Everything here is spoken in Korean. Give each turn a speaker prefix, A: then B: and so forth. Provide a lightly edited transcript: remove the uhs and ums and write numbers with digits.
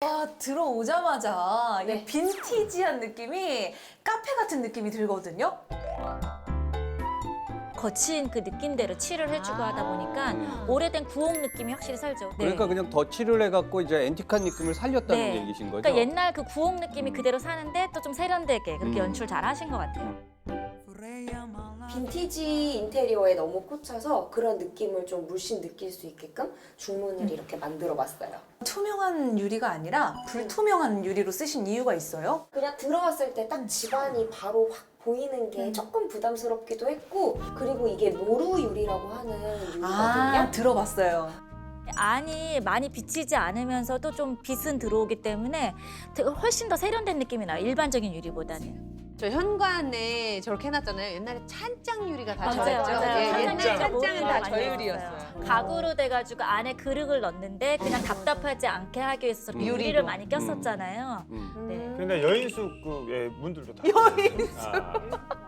A: 들어오자마자
B: 네.
A: 이 빈티지한 느낌이 카페 같은 느낌이 들거든요.
C: 거친 그 느낌대로 칠을 해주고 하다 보니까 오래된 구옥 느낌이 확실히 살죠. 네.
D: 그러니까 그냥 덧칠을 해갖고 이제 앤틱한 느낌을 살렸다는
C: 네.
D: 얘기신 거죠?
C: 그러니까 옛날 그 구옥 느낌이 그대로 사는데 또 좀 세련되게 그렇게 연출 잘 하신 것 같아요.
B: 빈티지 인테리어에 너무 꽂혀서 그런 느낌을 좀 물씬 느낄 수 있게끔 중문을 이렇게 만들어 봤어요.
A: 투명한 유리가 아니라 불투명한 유리로 쓰신 이유가 있어요?
B: 그냥 들어왔을 때 딱 집안이 바로 확 보이는 게 조금 부담스럽기도 했고, 그리고 이게 모루 유리라고 하는 유리거든요.
A: 들어봤어요.
C: 안이 많이 비치지 않으면서도 좀 빛은 들어오기 때문에 되게 훨씬 더 세련된 느낌이 나요. 일반적인 유리보다는.
E: 저 현관에 저렇게 해놨잖아요. 옛날에 찬장 유리가 다
C: 맞아요,
E: 저랬죠.
C: 맞아요.
E: 예,
C: 찬장이
E: 찬장은
C: 모두가
E: 다
C: 많이
E: 저유리였어요.
C: 가구로 돼가지고 안에 그릇을 넣는데 그냥 답답하지 않게 하기 위해서
E: 유리도.
C: 유리를 많이 꼈었잖아요. 네.
F: 근데 여인숙 그 예, 문들도 다.
A: 여인숙.
F: 아.